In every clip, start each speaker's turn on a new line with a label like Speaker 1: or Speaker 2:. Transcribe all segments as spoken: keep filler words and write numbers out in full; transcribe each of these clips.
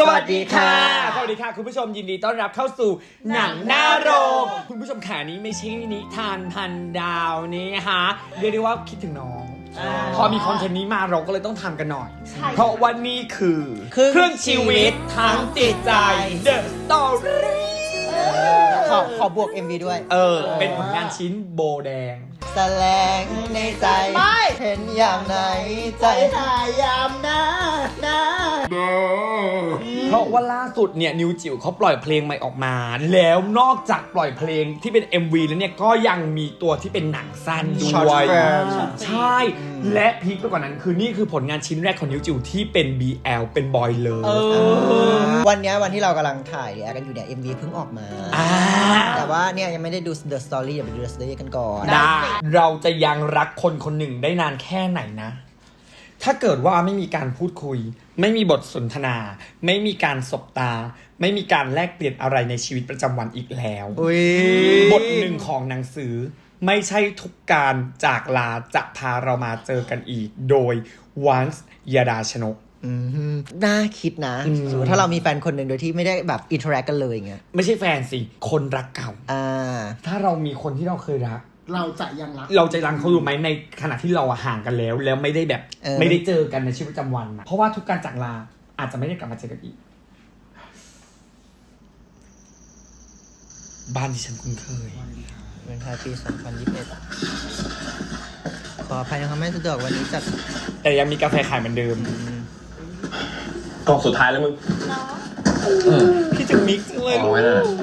Speaker 1: สวัสดีค่ะสวัสดีค่ะคุณผู้ชมยินดีต้อนรับเข้าสู่หนังหน้าโรงคุณผู้ชมขานี้ไม่ใช่นิทานพันดาวนี่ฮะเรียกได้ว่าคิดถึงน้องพอมีคอนเทนต์นี้มาเราก็เลยต้องทำกันหน่อยเพราะวันนี้คือครึ่งชีวิตทั้งจิตใจ The Story
Speaker 2: ขอขอบวก เอ็ม วี ด้วย
Speaker 1: เออเป็นผลงานชิ้นโบแดง
Speaker 2: แสลงในใจเห็นอย่างไหนใจหายามนะนะ
Speaker 1: เพราะว่าล่าสุดเนี่ยนิวจิ๋วเขาปล่อยเพลงใหม่ออกมาแล้วนอกจากปล่อยเพลงที่เป็น เอ็ม วี แล้วเนี่ยก็ยังมีตัวที่เป็นหนังสั้นด้วยใช่และพีคไปกว่านั้นคือนี่คือผลงานชิ้นแรกของนิวจิ๋วที่เป็น บี แอล เป็นบอยเลย
Speaker 2: วันนี้วันที่เรากำลังถ่ายรีแอคกันอยู่เนี่ย เอ็ม วี เพิ่งออกมาแต่ว่าเนี่ยยังไม่ได้ดู The Story อย่าไปดู The Story กันก่อน
Speaker 1: ได้เราจะยังรักคนคนหนึ่งได้นานแค่ไหนนะถ้าเกิดว่าไม่มีการพูดคุยไม่มีบทสนทนาไม่มีการสบตาไม่มีการแลกเปลี่ยนอะไรในชีวิตประจำวันอีกแล้วบทหนึ่งของหนังสือไม่ใช่ทุกการจากลาจะพาเรามาเจอกันอีกโดยวันส์ยดาชนก
Speaker 2: น่าคิดนะสมมติถ้าเรามีแฟนคนหนึ่งโดยที่ไม่ได้แบบอินเทอร์แอคกันเลยอย่างเงี้ย
Speaker 1: ไม่ใช่แฟนสิคนรักเก่าอ่าถ้าเรามีคนที่เราเคยรัก
Speaker 3: เราจะยังรัก
Speaker 1: เราจะรักเขาอยู่ไหมในขณะที่เราห่างกันแล้วแล้วไม่ได้แบบไม่ได้เจอกันในชีวิตประจำวันนะเพราะว่าทุกการจากลาอาจจะไม่ได้กลับมาเจอกันอีกบ้านที่ฉันคุ้นเคย
Speaker 2: วันไทยปีสองพันยี่สิบเอ็ดขออภัยนะครับไม่สะดวกวันนี้จัด
Speaker 1: แต่ยังมีกาแฟขายเหมือนเดิม
Speaker 4: กล่องสุดท้ายแล้วมึง
Speaker 1: พี่จะมิกซ์เลย
Speaker 4: เอาไว้นะ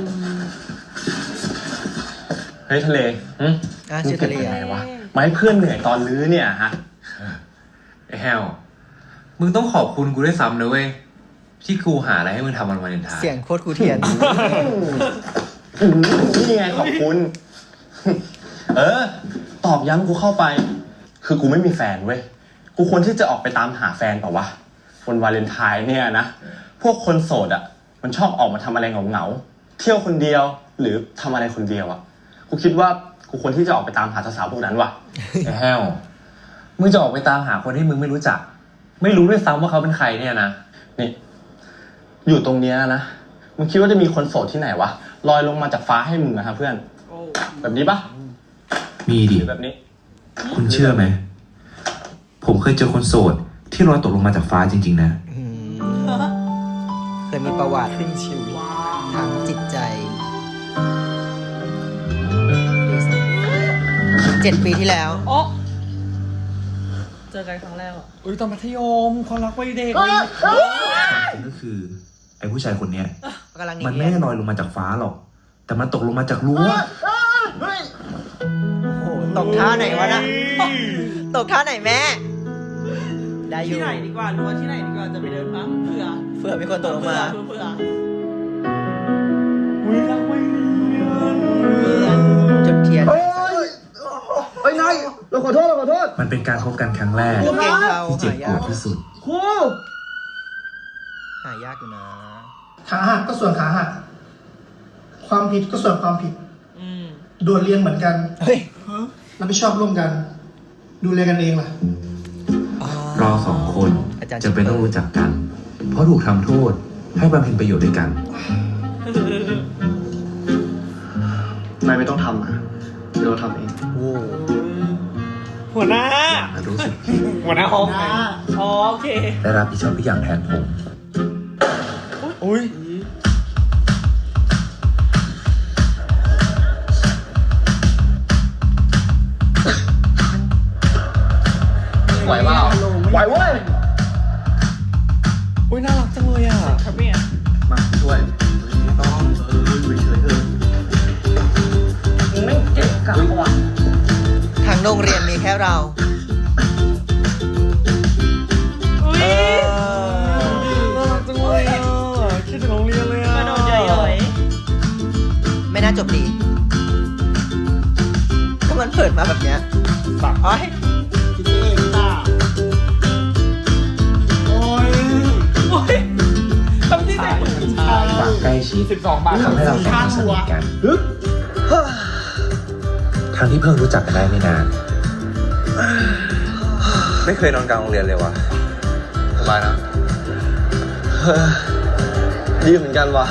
Speaker 4: เฮ้ยทะเล
Speaker 2: อืมอ่ะชื่อทะเล
Speaker 4: อะไรวะมาให้เพื่อนเหนื่อยตอนลื้อเนี่ยฮะไอ้แฮวมึงต้องขอบคุณกูด้วยซ้ำนะเว้ยที่กูหาอะไรให้มึงทำวันวาเลนไทน์
Speaker 2: เสียงโคตรกูเทียน
Speaker 4: นี่ไงขอบคุณเออตอบย้ำกูเข้าไปคือกูไม่มีแฟนเว้ยกูควรที่จะออกไปตามหาแฟนเปล่าวะวันวาเลนไทน์เนี่ยนะพวกคนโสดอ่ะมันชอบออกมาทำอะไรเหงาๆเที่ยวคนเดียวหรือทำอะไรคนเดียวอ่ะกูคิดว่ากูควรที่จะออกไปตามหาสาวๆพวกนั้นว่ะไอ้แฮวมึงจะออกไปตามหาคนที่มึงไม่รู้จักไม่รู้ด้วยซ้ำว่าเขาเป็นใครเนี่ยนะนี่อยู่ตรงเนี้ยนะมึงคิดว่าจะมีคนโสดที่ไหนวะลอยลงมาจากฟ้าให้มึงอะครับเพื่อนแบบนี้ปะ
Speaker 5: มีดิ
Speaker 4: แบบนี้
Speaker 5: คุณเชื่อไหมผมเคยเจอคนโสดที่ลอยตกลงมาจากฟ้าจริงๆนะ
Speaker 2: เคยมีประวัติ
Speaker 1: ครึ่งชีวิต
Speaker 2: ทางจิตใจเจ็ดปีที่แล้ว
Speaker 6: โอ้เจอกันครั้งแรกอ่ะ
Speaker 1: อุ้ยตอนมัธยมความรักวัยเด็ก
Speaker 5: ก็คือไอ้ผู้ชายคนเนี้ยมันไม่ได้ลอยลงมาจากฟ้าหรอกแต่มันตกลงมาจากรั้ว
Speaker 2: โอ้โหตกท่าไหนวะนะตกท่าไหนแม่ได้อยู่
Speaker 6: ที่ไหนดีกว่าหรือว่าที่ไหนดีกว่าจะไปเดินมั้งเผื่อ
Speaker 2: เผื่อมีคนตกลงมา
Speaker 6: เผื่อ
Speaker 1: อุ้ยรักวัย
Speaker 2: เรียนจุดเทียน
Speaker 3: เฮ้ยนายเราขอโทษเราขอโทษ
Speaker 5: มันเป็นการพบกันครั้งแรกที่เจ็บปวดที่สุด
Speaker 3: ครู
Speaker 2: หายากอยู่นะ
Speaker 3: ขาหักก็ส่วนขาหักความผิดก็ส่วนความผิดโดนเรียนเหมือนกัน
Speaker 2: เฮ้ย
Speaker 3: รับผิดชอบร่วมกันดูแลกันเองล่ะ
Speaker 5: เราสองคนจะเป็นต้องรู้จักกันเพราะถูกทำโทษให้บำเพ็ญประโยชน์ด้วยกัน
Speaker 4: นายไม่ต้องทำอ่ะเดี๋ยวเราทำเอง
Speaker 2: โอ้
Speaker 1: หัวหน้า
Speaker 5: รู้สึก
Speaker 1: หัวหน้าห้อง
Speaker 6: โอเค
Speaker 5: ได้รับผิดชอบทุกอย่างแทนผม
Speaker 1: อุ้ย
Speaker 4: ไหวเปล่าไหวเว้ย
Speaker 1: อุ้ยน่ารักจังเลยอ่ะ
Speaker 6: ครับเนี่ย
Speaker 4: มาช่วยไม่ต้องเอออยู่เฉยๆเถอะไม่เจ็บกับว่ะ
Speaker 2: ทางโรงเรียนมีแค่เรา
Speaker 6: อุ้ย
Speaker 1: น่ารักจังเลยอ่ะคิดถึงโรงเรียนเลยอ่ะ
Speaker 6: กระโดดใหญ่เลย
Speaker 2: ไม่น่าจบดีก็มันเปิดมาแบบเนี้ย
Speaker 1: ปัก
Speaker 2: อ้อย
Speaker 3: คิดเองป่ะ
Speaker 1: โอ้ย
Speaker 6: โอ้ยทำที่ไหน
Speaker 5: ความใกล้ชิด
Speaker 1: สิบสองบาท
Speaker 5: ทำให้เราสองคนสนิทกันทั้งที่เพิ่งรู้จักกันได้ไม่นาน
Speaker 4: ไม่เคยนอนกลางโรงเรียนเลยวะสบายนะดีเหมือนกันว่ะ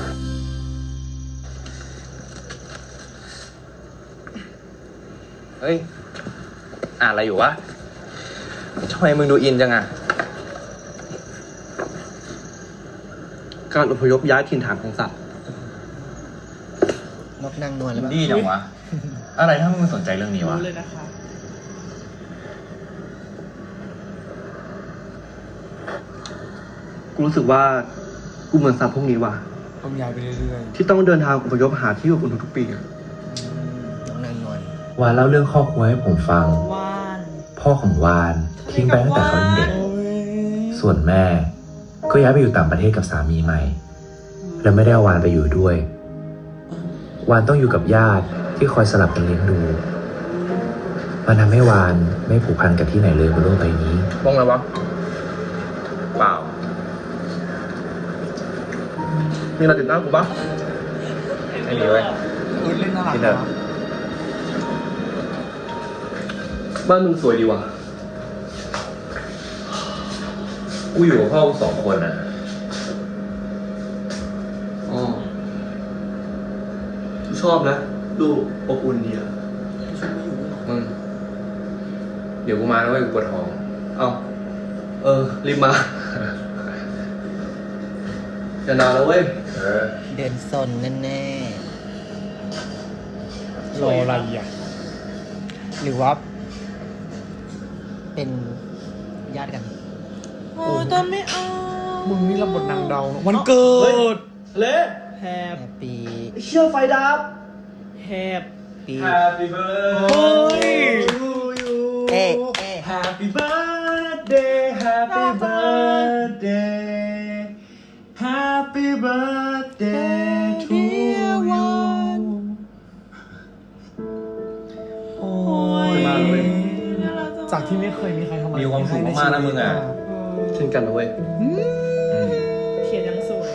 Speaker 4: เฮ้ยอ่านอะไรอยู่วะทำไมมึงดูอินจังอะการอพยพย้ายถิ่นฐานของสัตว์
Speaker 2: นกนางนวลหรือเปล่า
Speaker 4: ดีจังวะ อะไรถ้ามึงสนใจเรื่องนี้วะ
Speaker 6: รู้เลยนะคะ
Speaker 7: กูรู้สึกว่ากูเหมือนสัตว์พวกนี้ว่ะ
Speaker 1: ต้องย้ายไปเรื่อย
Speaker 7: ที่ต้องเดินทางอพยพหาที่อบอุ่นทุกๆปีอะ
Speaker 2: นกนางนวล
Speaker 5: วานเล่าเรื่องครอบครัวให้ผมฟัง
Speaker 6: ว่าน
Speaker 5: พ่อของวานทิ้งไปตั้งแต่เขายังเด็ก ส่วนแม่ ก็ย้ายไปอยู่ต่างประเทศกับสามีใหม่ และไม่ได้เอาวานไปอยู่ด้วย วานต้องอยู่กับญาติที่คอยสลับกันเลี้ยงดูมันทำให้วานไม่ผูกพันกับที่ไหนเลยบนโลกใบนี้
Speaker 4: มองอะไรวะ เปล่า
Speaker 7: มีอะไรติดตามกูปะ
Speaker 4: ไม่มีเว้ย
Speaker 1: ๆเออเล่นน่ารัก
Speaker 4: ที่เดิม
Speaker 1: นะ
Speaker 7: บ้านมึงสวยดีว่ะ
Speaker 5: กูอยู่กับพ่อกูสองคนอ่ะ
Speaker 7: อ๋อกูชอบนะ ดูอบอุ่นดีอะ
Speaker 4: มึง เดี๋ยวกูมาแล้วเว้ยกูปวดท้อง
Speaker 7: เอาเออ รีบมา จะนานแล้วเว้ย
Speaker 4: เออ
Speaker 2: เดินซนแน่
Speaker 1: รออะไรอ่ะ
Speaker 2: ๆหรือว่า เป็นญาติกัน
Speaker 6: โอ้ยแต่ไม่เอา
Speaker 1: มึงนี่รับบทนางเดาเนอะวันเกิด
Speaker 7: เละ
Speaker 6: แฮป
Speaker 2: แฮปปี้
Speaker 7: เชื่อไฟดับ
Speaker 6: แฮป
Speaker 2: ปี
Speaker 7: Happy
Speaker 1: เฮ้
Speaker 7: birthday
Speaker 1: ย
Speaker 7: to you
Speaker 2: เอ๊ะเอ๊ะ
Speaker 7: Happy birthday Happy birthday Happy birthday to you
Speaker 1: โอ้
Speaker 6: โอ้ย
Speaker 1: ย
Speaker 7: มาเลย
Speaker 6: น่ารักจัง
Speaker 1: จากที่ไม่เคยมีใครทำอะไร
Speaker 4: มีความสุขมากๆนะมึงอะ
Speaker 7: เช่นกันนะเว้ย
Speaker 6: เขียนยังสวย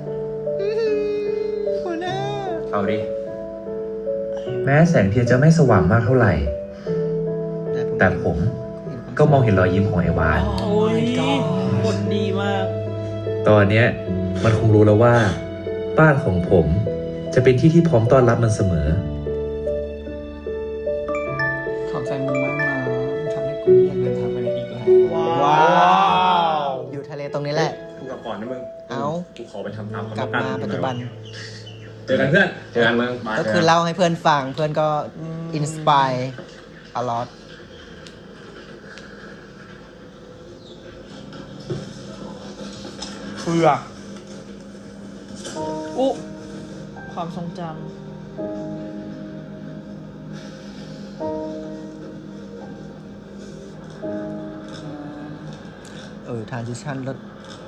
Speaker 4: เอาดิ
Speaker 5: แม้แสงเทียนจะไม่สว่างมากเท่าไหร่ แต่ผมก็มองเห็นรอยยิ้มของไอ้วาน
Speaker 6: โอ้ยบทดีมาก
Speaker 5: ตอนเนี้ยมันคงรู้แล้วว่า บ้านของผมจะเป็นที่ที่พร้อมต้อนรับมันเสมอ
Speaker 1: ขอบใจมึงมากนะทำให้กูไม่อยากเดินทางไปไหนอีกแล้ว
Speaker 6: ว้าว
Speaker 2: อยู่ทะเลตรงนี้แหละ
Speaker 4: กูกลับก่อนนะมึง
Speaker 2: เอ้า
Speaker 4: กูขอไปทำตาม
Speaker 2: กลับมาปัจจุบัน
Speaker 4: เจอกันเพื่อน เจอกันมึง
Speaker 2: ก็คือเล่าให้เพื่อนฟัง เพื่อนก็อินสปายอลอต
Speaker 1: เฟือก
Speaker 6: อุ๊ความทรงจ
Speaker 2: เออ ทรานซิชันรถ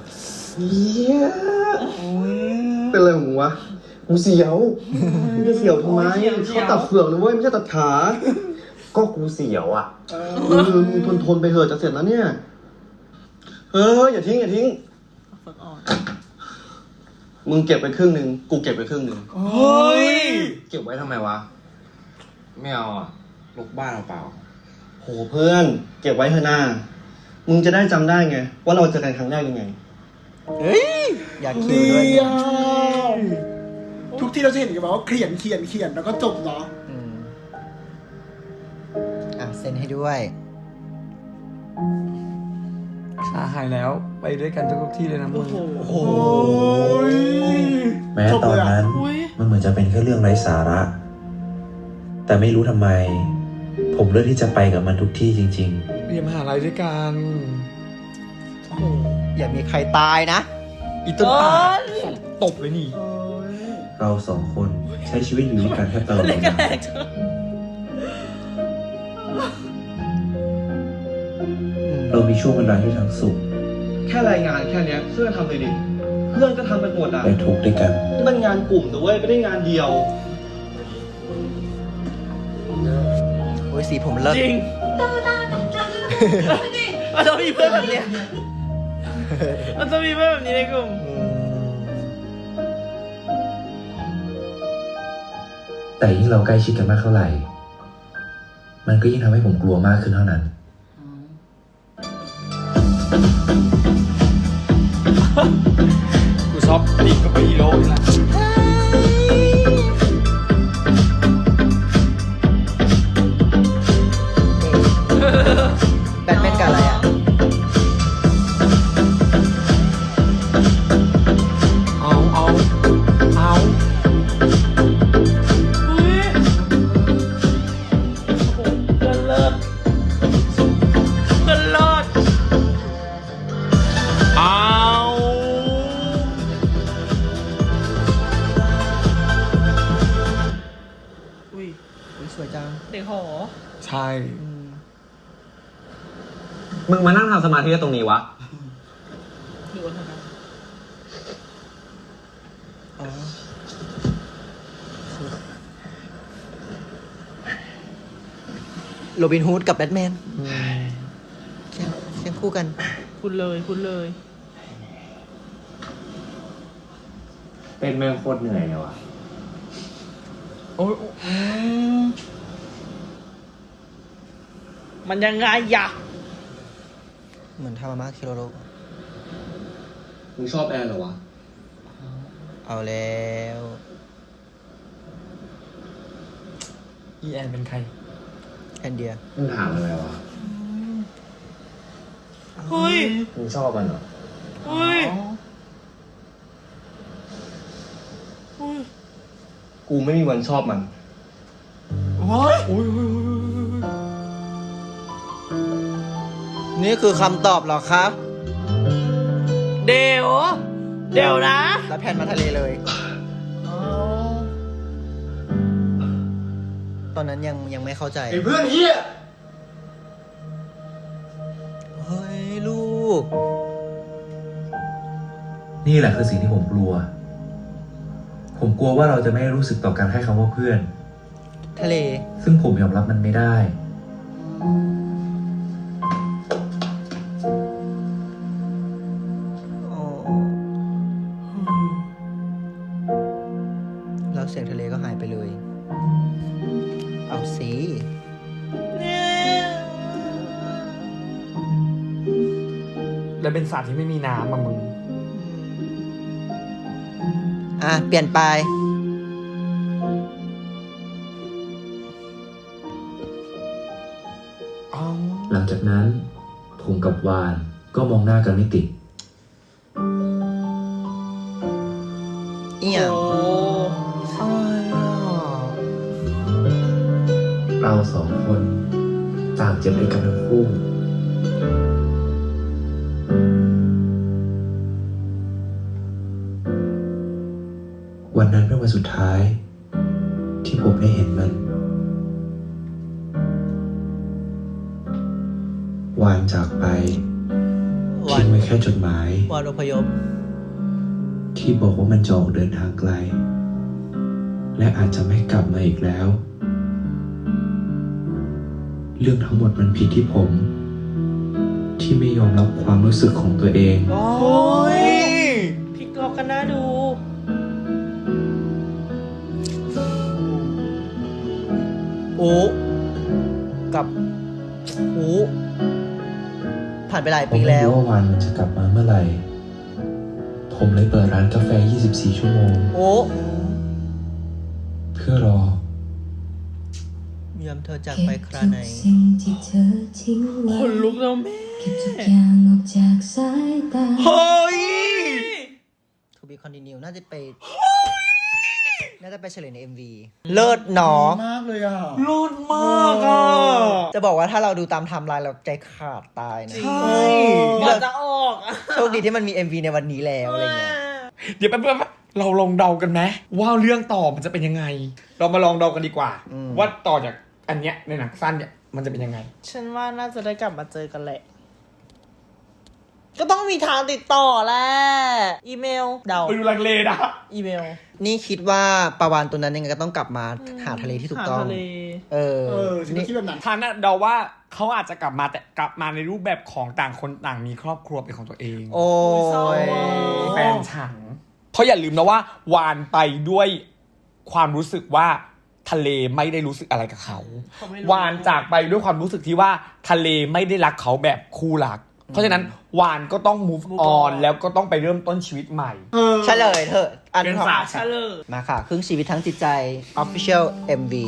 Speaker 7: เป็นอะไรของมึงวะกูเสียวมึงจะเสียวทำไมเขาตัดเฟือกเลยเว้ยไม่ใช่ตัดขา
Speaker 4: ก็กูเสียวอ่ะ
Speaker 7: เออมึงทนทนๆไปเถอะจะเสร็จแล้วเนี่ย เอออย่าทิ้งอย่าทิ้ง
Speaker 6: ำฝึกอ่อน
Speaker 7: มึงเก็บไปครึ่งหนึ่งกูเก็บไปครึ่งหนึ่ง
Speaker 1: เฮ้ย
Speaker 4: เก็บไว้ทำไมวะ ไม่เอาอ่ะลกบ้านเปล่า
Speaker 7: โหเพื่อนเก็บไว้เถอะหน้า มึงจะได้จำได้ไง ว่าเราเจอกันครั้งแรกยังไง
Speaker 2: เฮ้ย อยากคิวด้วยเนี่ย
Speaker 3: ทุกที่เราจะเห็นกันว่าเขียนเขียนเขียนแล้วก็จบเนาะ
Speaker 2: อืมอ่ะ เซ็นให้ด้วย
Speaker 1: ขาหายแล้วไปด้วยกันทุกๆที่เลยนะมึ
Speaker 6: โอ้
Speaker 1: ง
Speaker 6: โห
Speaker 3: โอ้ย
Speaker 5: แม้ตอนนั้น
Speaker 6: อุ๊ย
Speaker 5: มันเหมือนจะเป็นแค่เรื่องไร้สาระ แต่ไม่รู้ทำไม ผมเลือกที่จะไปกับมันทุกที่จริง
Speaker 1: เรียนมหาลัยด้วยกัน
Speaker 6: โอ้โห
Speaker 2: อย่ามีใครตายนะ
Speaker 1: อีต้นป่า
Speaker 6: เอิ้น
Speaker 1: ตบเลยนี่
Speaker 5: ๆ เราสองคนใช้ชีวิตอยู่ด้วยกันแทบตลอด
Speaker 6: เล่น
Speaker 5: เว
Speaker 6: กัน
Speaker 5: ลา
Speaker 6: แรงจัง
Speaker 5: เรามีช่วงเวลาที่ทั้งสุข
Speaker 7: แค่รายงานแค่เนี้ยช่วยกันทำเลยดิ เพื่อนก็ทำไปหมดอ่ะ
Speaker 5: และทุกข์ด้วยกัน
Speaker 7: นี่มันงานกลุ่มแต่เว้ยไม่ได้งานเดียว
Speaker 2: โอ้ยสีผมเลิศ
Speaker 6: จริงมันจะมีเพื่อนแบบเนี้ยมันจะมีเพื่อนแบบนี้ในกลุ่ม
Speaker 5: แต่ยิ่งเราใกล้ชิดกันมากเท่าไหร่ มันก็ยิ่งทำให้ผมกลัวมากขึ้นเท่านั้น
Speaker 1: กูชอบตีกับฮีโร่นี่แหละ
Speaker 2: แบทแมนกับอะไรอ่ะ
Speaker 1: เอาเอาเอา
Speaker 6: อุ้ยโอ้โหเพื่อนเลิศเพื่อนเลิศ
Speaker 1: เอา
Speaker 6: อุ้ย
Speaker 2: อุ๊ยสวยจัง
Speaker 6: เด็กหอ
Speaker 1: ใช่
Speaker 4: มึงมานั่งทำสมาธิตรงนี้วะ
Speaker 6: หรือว่าเธอนะ
Speaker 2: อ๋อโรบินฮูดกับแบทแมนเคียงเคียงคู่กัน
Speaker 6: คุณเลยคุณเลย
Speaker 5: เป็นแม่งโคตรเหนื่อยเลยวะ
Speaker 1: โอ้ย
Speaker 6: มันยังไงยะ
Speaker 2: เหมือนทามามาคิโรโร
Speaker 4: มึงชอบแอนเหรอวะ
Speaker 2: เอาแล้ว
Speaker 1: อีแอนเป็นใคร
Speaker 2: แอนเดีย
Speaker 5: มึงถามอะไรวะ
Speaker 6: เฮ้ย
Speaker 5: มึงชอบมันเหรอ
Speaker 6: เฮ้ยเฮ้ย
Speaker 4: กูไม่มีวันชอบมัน
Speaker 1: ว้ายอุ้ยอุ้ยอุ้ย
Speaker 2: นี่คือคำตอบเหรอครับ
Speaker 6: เดี๋ยวเดี๋ยวนะ
Speaker 2: แล้วแพนมาทะเลเลย ตอนนั้นยังยังไม่เข้าใจ
Speaker 3: ไอ้เพื่อนเฮีย
Speaker 2: เฮ้ย ลูก
Speaker 5: นี่แหละคือสิ่งที่ผมกลัว ผมกลัวว่าเราจะไม่รู้สึกต่อกันแค่คำว่าเพื่อน
Speaker 2: ทะเล
Speaker 5: ซึ่งผมยอมรับมันไม่ได้
Speaker 2: อ๋อ แล้วเสียงทะเลก็หายไปเลย เอาสิ
Speaker 1: แล้วเป็นสัตว์ที่ไม่มีน้ำอะมึง
Speaker 2: อ่ะ เปลี่ยนไป
Speaker 1: เอา
Speaker 5: หลังจากนั้น ผมกับวานก็มองหน้ากันไม่ติด
Speaker 2: อีหยัง
Speaker 6: โอ้
Speaker 1: อะไรอ่ะ
Speaker 5: เราสองคนต่างเจ็บด้วยกันทั้งคู่ วันนั้นเป็นวันสุดท้าย ที่ผมได้เห็นมัน วานจากไป
Speaker 2: วา
Speaker 5: ทิ้
Speaker 2: น
Speaker 5: งไว้แค่จดหมาย
Speaker 2: วานอพยพ
Speaker 5: ที่บอกว่ามันจะออกเดินทางไกล และอาจจะไม่กลับมาอีกแล้ว เรื่องทั้งหมดมันผิดที่ผม ที่ไม่ยอมรับความรู้สึกของตัวเอง
Speaker 6: โอ้ยพลิกล็อกกันน่าดู
Speaker 2: โอ้กับโอ้ผ่านไปหลาย
Speaker 5: ผม
Speaker 2: ปี
Speaker 5: ไม่
Speaker 2: แล้ว
Speaker 5: รู้ว่าวานมันจะกลับมาเมื่อไหร่ ผมเลยเปิดร้านกาแฟ ยี่สิบสี่ ชั่วโมง
Speaker 2: โอ้
Speaker 5: เพื่อรอ
Speaker 2: ยามเธอจากไปคราไหน
Speaker 8: สิ่งที่เธอทิ้งไว้
Speaker 6: คนลุกแล้วแม่
Speaker 8: เก็บทุกอย่างออกจากสายตา
Speaker 1: เฮ้ย
Speaker 2: To be continue น่าจะไป น่าจะไปเฉลยใน เอ็ม วี เลิศหนอ
Speaker 3: มากเลยอ่ะ
Speaker 1: รุนมากอ่ะ
Speaker 2: จะบอกว่าถ้าเราดูตามไทม์ไลน์เราใจขาดตายนะ
Speaker 1: ใช่
Speaker 6: กว่าจะออกอะ
Speaker 2: โชคดีที่มันมี เอ็ม วี ในวันนี้แล้วอะไรเงี้ย
Speaker 1: เดี๋ยวแป๊บๆเราลองเดากันไหมว่าเรื่องต่อมันจะเป็นยังไง เรามาลองเดากันดีกว่า
Speaker 2: อืม
Speaker 1: ว่าต่อจากอันเนี้ยในหนังสั้นเนี่ยมันจะเป็นยังไง
Speaker 6: ฉันว่าน่าจะได้กลับมาเจอกันแหละ ก็ต้องมีทางติดต่อแหละ อีเมล เดา
Speaker 1: ไปดูลังเลนะ
Speaker 6: อีเมล
Speaker 2: นี่คิดว่าปลาวานตัวนั้นยังไงก็ต้องกลับมาหาทะเลที่ถูกต้อง
Speaker 6: หาทะเล
Speaker 2: เออ
Speaker 3: เออฉันก็คิดแบบนั้น
Speaker 1: ทางน่ะเดาว่าเขาอาจจะกลับมาแต่กลับมาในรูปแบบของต่างคนต่างมีครอบครัวเป็นของตัวเอง
Speaker 2: โอ้
Speaker 6: เศร้าย ว่ะ
Speaker 1: แฟนฉันเพราะอย่าลืมนะว่าวานไปด้วยความรู้สึกว่าทะเลไม่ได้รู้สึกอะไรกับเขา
Speaker 6: เขาไม่รู้
Speaker 1: วานจากไปด้วยความรู้สึกที่ว่าทะเลไม่ได้รักเขาแบบคู่รักเพราะฉะนั้นวานก็ต้อง move on แล้วก็ต้องไปเริ่มต้นชีวิตใหม่
Speaker 2: เฉลยเถอะอัน
Speaker 6: เป็น
Speaker 2: ของ
Speaker 6: ฝาเฉลย
Speaker 2: มาค่ะ ครึ่งชีวิตทั้งจิตใจ Official เอ็ม วี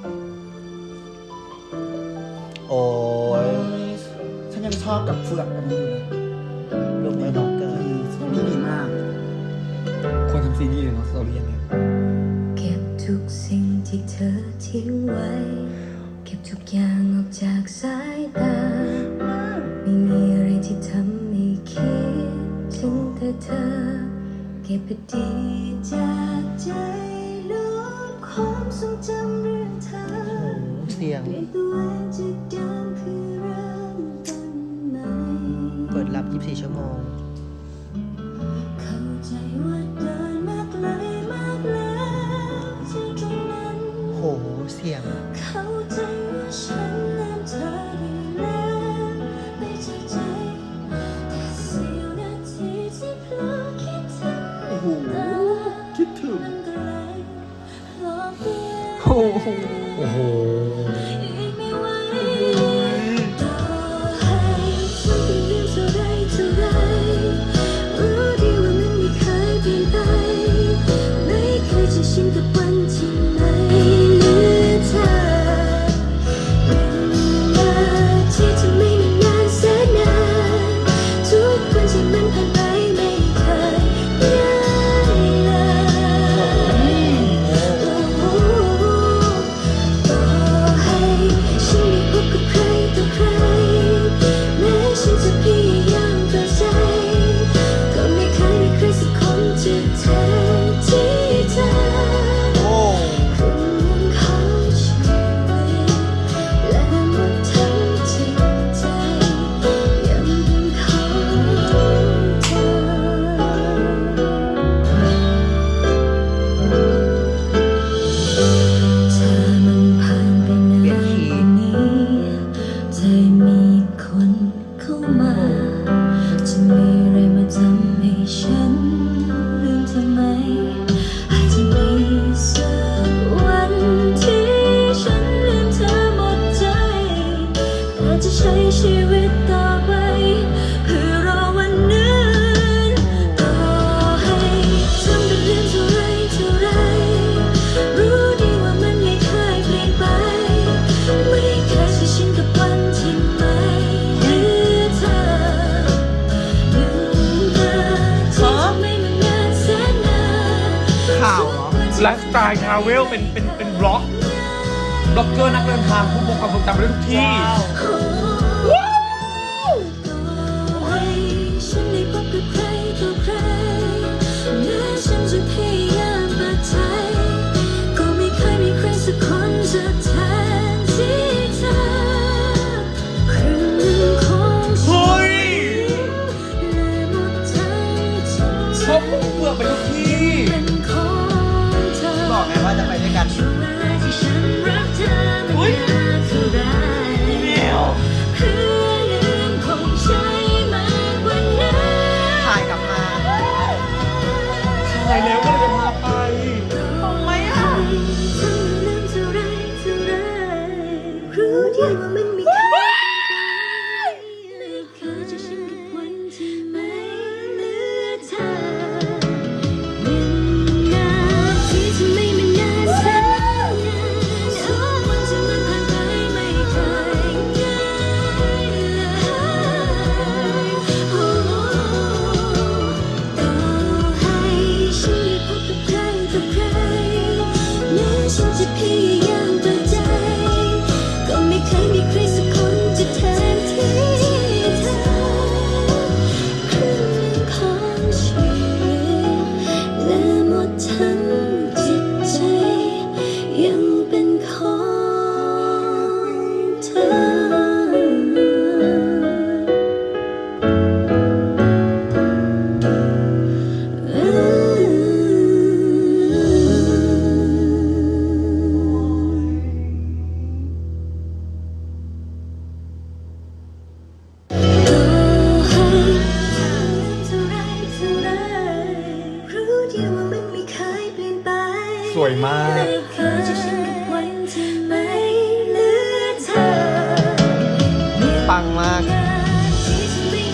Speaker 2: โอ้ย
Speaker 3: ฉันยังชอบกับเฟือกอันนี้อยู่เลย
Speaker 2: ลูกไม่น้องเกิน
Speaker 3: นี่ดีมาก
Speaker 1: ควรทำซีรีส์เลยเนาะสตอรี่เนี่ย
Speaker 8: เก็บทุกสิ่งที่เธอทิ้งไว้ เก็บทุกอย่างออกจากสายตา ไม่มีอะไรที่ทำให้คิดถึงแต่เธอ เก็บไปดีจากใจลบความทรงจำเรื่องเธอ
Speaker 2: เสียง
Speaker 8: เปลี่ยนตัวเองจากเดิมเพื่อเริ่มต้นใหม่
Speaker 2: เปิดรับ ยี่สิบสี่ ชั่วโมง
Speaker 8: เข้าใจว่าเดินมาไกลมากแล้วจากตรงนั้น
Speaker 2: โห เสียง
Speaker 8: เข้าใจว่าฉันลืมเธอได้แล้วไม่จากใจแต่เสี้ยวนาทีที่เพลอคิดถึงโอ้โหคิดถึงมันก็เลยหลอกตัวเอง
Speaker 1: โอ้โห
Speaker 8: อีกไม่ไหวต่อให้ฉันเป็นเรื่องเท่าไรเท่าไรรู้ดีว่ามันไม่เคยเปลี่ยนไปไม่เคยจะชินกับวันที่ไม่เหลือเธอหนึ่งนาทีที่ไม่นานแสนนานทุกวันที่มันผ่านไปไม่เคยง่ายเลย ต่อให้ฉันไม่พบกับใครต่อใครแม้ฉันจะพยายามเปิดใจก็ไม่เคยมีใครสักคนจะแทนที่เธอครึ่งหนึ่งของชีวิตและหมดทั้งจิตใจยังเป็นของเธอ ถ้ามันผ่านไปนานกว่านี้จะมีคนเข้ามา จะมีอะไรมาทำให้ฉันลืมเธอไหม อาจจะมีสักวันที่ฉันลืมเธอหมดใจ แต่จะใช้ชีวิตต่อไปเพื่อรอวันนั้นต่อให้ทำเป็นเรื่องเท่าไรเท่าไร รู้ดีว่ามันไม่เคยเปลี่ยนไป ไม่เคยจะชินกับวันที่ไม่เหลือเธอหนึ่งนาทีที่ไม่มานานแสนนาน
Speaker 2: ข่าวเหรอ
Speaker 1: ไลฟ์สไตล์ทราเวลเป็นเป็นเป็นบล็อกบล็อกเกอร์นักเดินทางผู้พบความทรงจำไปได้ทุกที่
Speaker 8: ต่อให้ฉันได้พบกับใครต่อใครแม้ฉันจะพยายามเปิดใจก็ไม่เคยมีใครสักคนจะแทนที่เธอครึ่งหนึ่งของชีวิตและหมดทั้งจิตใจ
Speaker 1: ชอบเฟือกไปทุกที่
Speaker 8: เป็นของเธอ
Speaker 2: บอกไงว่าจะไปด้วยกัน
Speaker 8: ช่วงเวลาที่ฉันรักเธอไม่นานเท่าไรเพื่อลืมคงใช้มากกว่านั้น
Speaker 2: ถ่ายกลับมา
Speaker 1: ถ่ายแล้วก็เลยจะพาไป
Speaker 8: ทำไมอ่ะทั้งลืมเท่าไรเท่าไรรู้ดีว่ามันไม่เคยไม่เคยจะชินกับวันที่ไม่เหลือเธอหนึ่งนาทีที่ไม่มานานแสนนานทุกวันที่มันผ่านไปไม่เคยง่ายเลยโอ้ต่อให้ฉันได้พบกับใครต่อใครแม้ฉันจะพยายามเปิดใจก็ไม่เคยมีใครสักคนจะแทนที่เธอครึ่งหนึ่งของชีวิตและหมดทั้งจิตใจยังเป็นของเธอ รู้ดีว่ามันไม่เคยเปลี่ยนไป
Speaker 1: สวยมาก
Speaker 8: ไม่เคยจะชินกับวันที่ไม่เหลือเธอ
Speaker 2: ปังมาก
Speaker 8: ที่จะไม่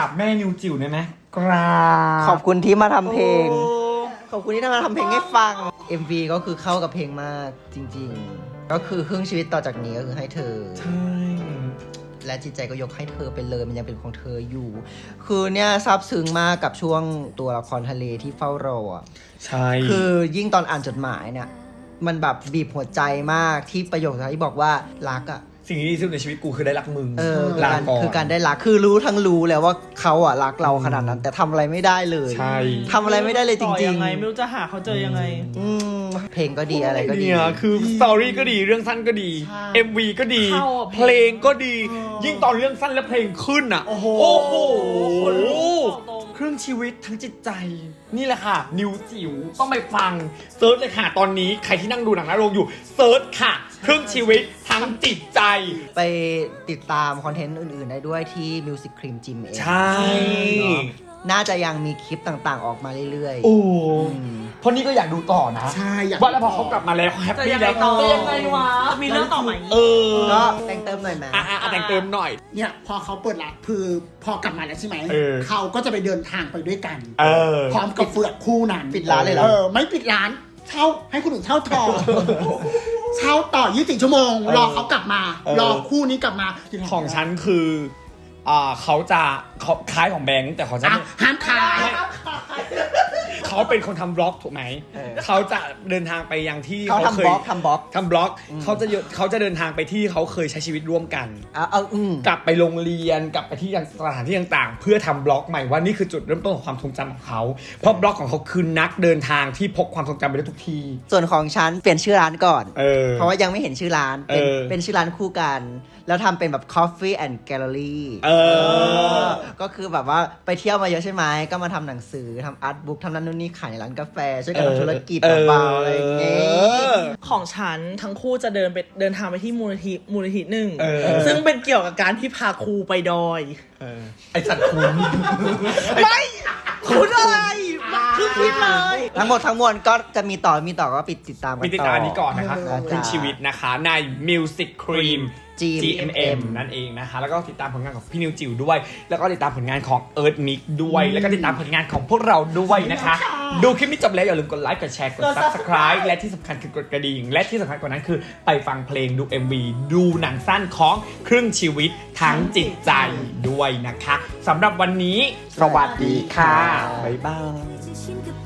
Speaker 1: บแม่นิวจิ๋วได้ไหมกราบ
Speaker 2: ขอบคุณที่มาทำเพลง
Speaker 6: โอ้
Speaker 2: ขอบคุณที่มาทำเพลงให้ฟัง เอ็ม วี ก็คือเข้ากับเพลงมากจริง ๆ ก็คือครึ่งชีวิตต่อจากนี้ก็คือให้เธอ
Speaker 1: ใช่
Speaker 2: และจิตใจก็ยกให้เธอไปเลยมันยังเป็นของเธออยู่ คือเนี่ยซาบซึ้งมากกับช่วงตัวละครทะเลที่เฝ้ารออะ
Speaker 1: ใช่
Speaker 2: คือยิ่งตอนอ่านจดหมายเนี่ยมันแบบบีบหัวใจมากที่ประโยคที่บอกว่ารักอ่ะ
Speaker 1: สิ่งที่ดีที่สุดในชีวิตกูคือได้รักมึง
Speaker 2: เออคือ
Speaker 1: ลา
Speaker 2: การ
Speaker 1: ก่อน
Speaker 2: คือการได้รักคือรู้ทั้งรู้แล้วว่าเขาอ่ะรักเราขนาดนั้น แต่ทำอะไรไม่ได้เลย
Speaker 1: ใช่
Speaker 2: ทำอะไรไม่ได้เลยจ
Speaker 6: ต่อ
Speaker 2: ริง
Speaker 6: ยังไงไม่รู้จะหาเขาเจอยังไง
Speaker 2: ๆอืมเพลงก็ดีอะไรก็ดี
Speaker 1: เนี่ยคือสตอรี่ก็ดีเรื่องสั้นก็ดี
Speaker 2: ใช่
Speaker 1: เอ็ม วี ก็ดี
Speaker 6: เข้าอ่ะ
Speaker 1: เพลงก็ดี ยิ่งตอนเรื่องสั้นและเพลงขึ้นอ่ะ โอ้โห
Speaker 6: คนลุกบอกตรง
Speaker 1: ครึ่งชีวิตทั้งจิตใจ นี่แหละค่ะ นิวจิ๋วต้องไปฟังเซิร์ชเลยค่ะ ตอนนี้ใครที่นั่งดูหนังหน้าโรงอยู่เซิร์ชค่ะ ครึ่งชีวิตทั้งจิตใจ
Speaker 2: ไปติดตามคอนเทนต์อื่นๆได้ด้วยที่ Music Cream Gym เอง
Speaker 1: ใช่
Speaker 2: เนาะน่าจะยังมีคลิปต่างๆออกมาเรื่อย
Speaker 1: โอ้
Speaker 2: ๆอืม
Speaker 1: เพราะนี่ก็อยากดูต่อนะ
Speaker 7: ใช่อยาก
Speaker 1: ว่าแล้วพอเขากลับมาแล้วเขาแฮป
Speaker 6: จะ
Speaker 1: ปี้
Speaker 6: ยัง
Speaker 1: แล้
Speaker 6: ไง
Speaker 1: ว
Speaker 6: ต่อ
Speaker 1: จะยังไงวะ
Speaker 6: จะมีเรื่องต่อไหม
Speaker 1: เออ
Speaker 2: ก็แต่งเติมหน่อยไหม
Speaker 1: อ่ะอ่ะอ่ะแต่งเติมหน่อย
Speaker 9: เนี่ยพอเขาเปิดร้านคือพอกลับมาแล้วใช่ไหม
Speaker 1: เออ
Speaker 9: เขาก็จะไปเดินทางไปด้วยกัน
Speaker 1: เออ
Speaker 9: พร้อมกับเฟือกคู่นั้น
Speaker 2: ปิดร้านเลยเหรอ
Speaker 9: เออไม่ปิดร้านเช่าให้คนอื่นเช่าต่อ เช่าต่อยี่สิบสี่ชั่วโมง รอเขากลับมา
Speaker 1: เออ
Speaker 9: รอคู่นี้กลับมา
Speaker 1: ของฉันคืออ่าเขาจะเขาคล้ายของแบงค์แต่ของฉัน
Speaker 9: อ่ะห้ามขาย
Speaker 1: เขาเป็นคนทำบล็อกถูกไหม
Speaker 2: เออ
Speaker 1: เขาจะเดินทางไปยังที่
Speaker 2: เขาทำ
Speaker 1: เค
Speaker 2: บ
Speaker 1: ย
Speaker 2: ล็อกทำบล็อก
Speaker 1: ทำบล็อกเขาจะเยอะเขาจะเดินทางไปที่เขาเคยใช้ชีวิตร่วมกัน
Speaker 2: เอาเอาอืม
Speaker 1: กลับไปโรงเรียนกลับไปที่สถานที่ต่างๆ เพื่อทำบล็อกใหม่ว่านี่คือจุดเริ่มต้นของความทรงจำของเขา เพราะบล็อกของเขาคือนักเดินทางที่พกความทรงจำไปได้ทุกที่
Speaker 2: ส่วนของฉันเปลี่ยนชื่อร้านก่อน
Speaker 1: เออ
Speaker 2: เพราะว่ายังไม่เห็นชื่อร้าน เป็น
Speaker 1: เออ
Speaker 2: เป็นชื่อร้านคู่กัน แล้วทำเป็นแบบ Coffee and Gallery
Speaker 1: เออ
Speaker 2: ก็คือแบบว่าไปเที่ยวมาเยอะใช่ไหม ก็มาทำหนังสือทำอาร์ตบุ๊กทำนั่นนู่นนี่ขายในร้านกาแฟ ช่วยกัน
Speaker 1: เออ
Speaker 2: ทำธุรกิจ
Speaker 1: เออ
Speaker 2: เบาๆอะไรอย่างเงี้ย
Speaker 6: ของฉันทั้งคู่จะเดินไปเดินทางไปที่มูลนิธิมูลนิธิหนึ่ง
Speaker 1: เออ
Speaker 6: ซึ่งเป็นเกี่ยวกับการที่พาครูไปดอย
Speaker 1: ไอสัตว์คุณ
Speaker 6: ไม่คุณอะไรคือคิดเลย
Speaker 2: ทั้งหมดทั้งมวลก็จะมีต่อมีต่อก็ปิดติดตามกัน
Speaker 1: มี
Speaker 2: ต่อ
Speaker 1: ติดตามอันนี้ก่อนนะคะ
Speaker 2: นะ
Speaker 1: ครึ่
Speaker 2: จ๊ะ
Speaker 1: งชีวิตนะคะใน Music Cream
Speaker 2: จี
Speaker 1: จี เอ็ม เอ็ม นั่นเองนะคะ แล้วก็ติดตามผลงานของพี่นิวจิ๋วด้วย แล้วก็ติดตามผลงานของ Earth Mix ด้วย แล้วก็ติดตามผลงานของพวกเราด้วยนะคะ ดูคลิปนี้จบแล้วอย่าลืมกดไลค์ กดแชร์ กด Subscribe และที่สำคัญคือกดกระดิ่ง และที่สำคัญกว่านั้นคือไปฟังเพลงดู เอ็ม วี ดูหนังสั้นของครึ่งชีวิตทั้งจิตใจด้วยนะคะสำหรับวันนี้ สวัสดีค่ะ บ๊ายบาย
Speaker 8: จะชินกับ